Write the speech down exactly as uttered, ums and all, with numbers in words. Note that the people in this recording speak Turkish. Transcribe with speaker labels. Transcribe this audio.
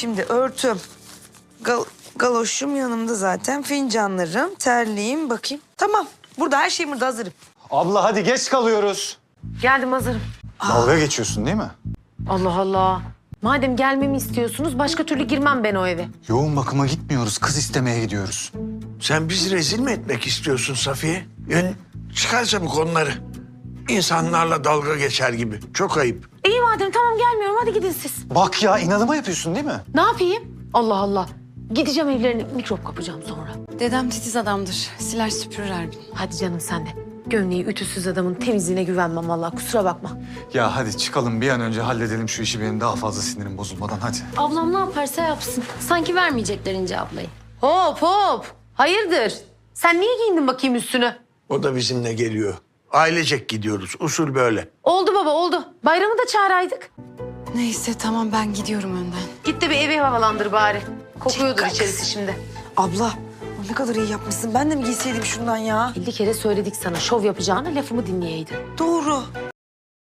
Speaker 1: Şimdi örtüm, gal galoşum yanımda zaten, fincanlarım, terliğim, bakayım. Tamam, burada her şeyim burada, hazırım.
Speaker 2: Abla hadi geç kalıyoruz.
Speaker 3: Geldim, hazırım.
Speaker 2: Dalga geçiyorsun değil mi?
Speaker 3: Allah Allah. Madem gelmemi istiyorsunuz başka türlü girmem ben o eve.
Speaker 2: Yoğun bakıma gitmiyoruz, kız istemeye gidiyoruz.
Speaker 4: Sen bizi rezil mi etmek istiyorsun Safiye? Yani çıkar çabuk onları. İnsanlarla dalga geçer gibi. Çok ayıp.
Speaker 3: İyi madem, tamam gelmiyorum, hadi gidin siz.
Speaker 2: Bak ya, inadıma yapıyorsun değil mi?
Speaker 3: Ne yapayım? Allah Allah. Gideceğim evlerine, mikrop kapacağım sonra.
Speaker 5: Dedem titiz adamdır. Siler süpürür her gün.
Speaker 3: Hadi canım sen de. Gömleği ütüsüz adamın temizliğine güvenmem vallahi, kusura bakma.
Speaker 2: Ya hadi çıkalım, bir an önce halledelim şu işi, benim daha fazla sinirim bozulmadan, hadi.
Speaker 5: Ablam ne yaparsa yapsın. Sanki vermeyecekler İnce ablayı.
Speaker 3: Hop hop. Hayırdır? Sen niye giyindin bakayım üstünü?
Speaker 4: O da bizimle geliyor. Ailecek gidiyoruz. Usul böyle.
Speaker 3: Oldu baba, oldu. Bayramı da çağıraydık.
Speaker 5: Neyse tamam, ben gidiyorum önden.
Speaker 3: Git de bir evi havalandır bari. Kokuyordur içerisi şimdi.
Speaker 1: Abla, ne kadar iyi yapmışsın. Ben de mi giyseydim şundan ya?
Speaker 3: elli kere söyledik sana, şov yapacağına lafımı dinleyeydin.
Speaker 1: Doğru.